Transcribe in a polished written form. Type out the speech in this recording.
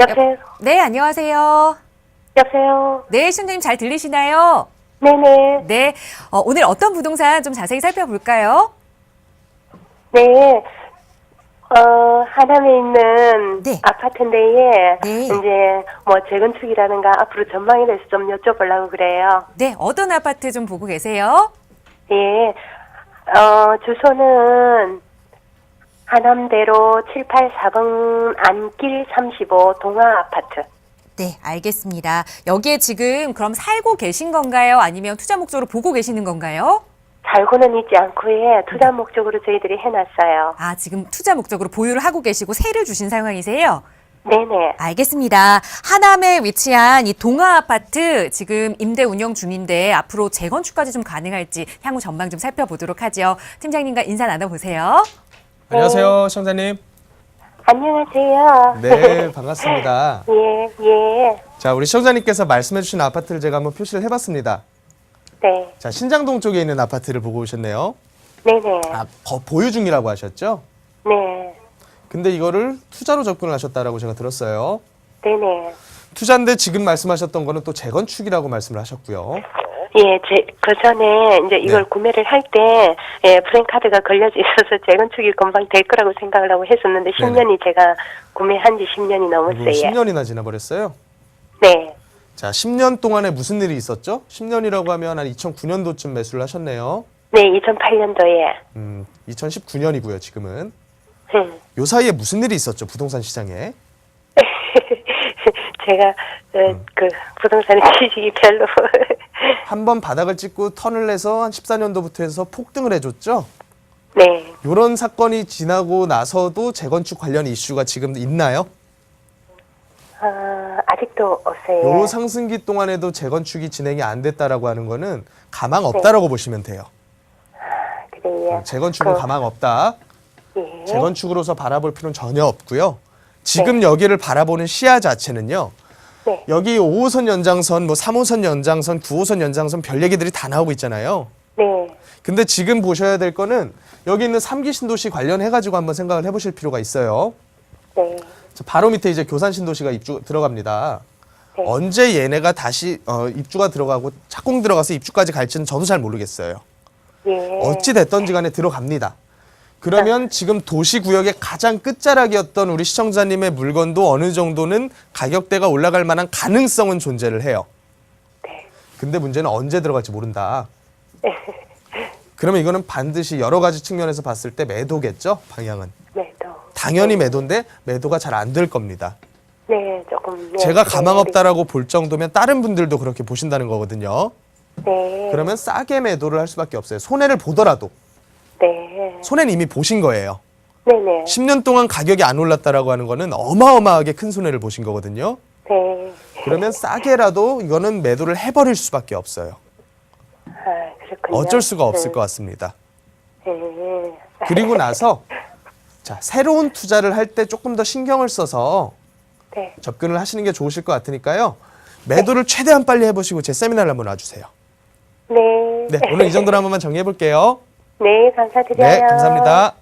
여보세요? 네, 안녕하세요. 여보세요? 네, 시청자님 잘 들리시나요? 네네. 네, 오늘 어떤 부동산 좀 자세히 살펴볼까요? 네. 하남에 있는 네. 아파트인데에, 네. 이제, 재건축이라든가 앞으로 전망에 대해서 좀 여쭤보려고 그래요. 네, 어떤 아파트 좀 보고 계세요? 예. 주소는 하남대로 784번 안길 35 동아 아파트. 네, 알겠습니다. 여기에 지금 그럼 살고 계신 건가요? 아니면 투자 목적으로 보고 계시는 건가요? 살고는 있지 않고, 투자 목적으로 저희들이 해놨어요. 아, 지금 투자 목적으로 보유를 하고 계시고 세를 주신 상황이세요? 네네. 알겠습니다. 하남에 위치한 이 동아 아파트 지금 임대 운영 중인데 앞으로 재건축까지 좀 가능할지 향후 전망 좀 살펴보도록 하죠. 팀장님과 인사 나눠보세요. 안녕하세요, 시청자님. 안녕하세요. 네, 반갑습니다. 예. 자, 우리 시청자님께서 말씀해주신 아파트를 제가 한번 표시를 해봤습니다. 네. 자, 신장동 쪽에 있는 아파트를 보고 오셨네요. 네네. 아, 보유 중이라고 하셨죠? 네. 근데 이거를 투자로 접근을 하셨다라고 제가 들었어요. 네네. 투자인데 지금 말씀하셨던 거는 또 재건축이라고 말씀을 하셨고요. 예, 그 전에 이제 이걸 네. 구매를 할 때, 프랜카드가 걸려져 있어서 재건축이 금방 될 거라고 생각을 하고 했었는데, 네네. 10년이 제가 구매한 지 10년이 넘었어요. 10년이나 지나버렸어요. 네. 자, 10년 동안에 무슨 일이 있었죠? 10년이라고 하면 한 2009년도쯤 매수를 하셨네요. 네, 2008년도에. 2019년이고요, 지금은. 요 사이에 무슨 일이 있었죠, 부동산 시장에? 제가, 그, 부동산에 지식이 별로. 한번 바닥을 찍고 턴을 내서 한 14년도부터 해서 폭등을 해줬죠. 네. 이런 사건이 지나고 나서도 재건축 관련 이슈가 지금 있나요? 아직도 없어요. 요 상승기 동안에도 재건축이 진행이 안 됐다라고 하는 거는 가망 없다라고 보시면 돼요. 그래요. 재건축은 가망 없다. 예. 재건축으로서 바라볼 필요는 전혀 없고요. 지금 여기를 바라보는 시야 자체는요. 네. 여기 5호선 연장선, 3호선 연장선, 9호선 연장선 별 얘기들이 다 나오고 있잖아요. 네. 근데 지금 보셔야 될 거는 여기 있는 3기 신도시 관련해가지고 한번 생각을 해보실 필요가 있어요. 네. 바로 밑에 이제 교산 신도시가 입주 들어갑니다. 네. 언제 얘네가 다시 입주가 들어가고 착공 들어가서 입주까지 갈지는 저도 잘 모르겠어요. 예. 어찌 됐던지 간에 들어갑니다. 그러면 지금 도시구역의 가장 끝자락이었던 우리 시청자님의 물건도 어느 정도는 가격대가 올라갈 만한 가능성은 존재를 해요. 네. 근데 문제는 언제 들어갈지 모른다. 그러면 이거는 반드시 여러 가지 측면에서 봤을 때 매도겠죠? 방향은. 매도. 당연히 매도인데 매도가 잘 안 될 겁니다. 네, 조금. 네. 제가 가망 없다라고 볼 정도면 다른 분들도 그렇게 보신다는 거거든요. 네. 그러면 싸게 매도를 할 수밖에 없어요. 손해를 보더라도. 네. 손해는 이미 보신 거예요. 네네. 10년 동안 가격이 안 올랐다라고 하는 거는 어마어마하게 큰 손해를 보신 거거든요. 네. 그러면 싸게라도 이거는 매도를 해버릴 수밖에 없어요. 그렇군요. 어쩔 수가 없을 것 같습니다. 네. 그리고 나서 자, 새로운 투자를 할 때 조금 더 신경을 써서 네. 접근을 하시는 게 좋으실 것 같으니까요. 매도를 최대한 빨리 해보시고 제 세미나를 한번 와주세요. 네. 네, 오늘 이 정도로 한 번만 정리해 볼게요. 네, 감사드려요. 네, 감사합니다.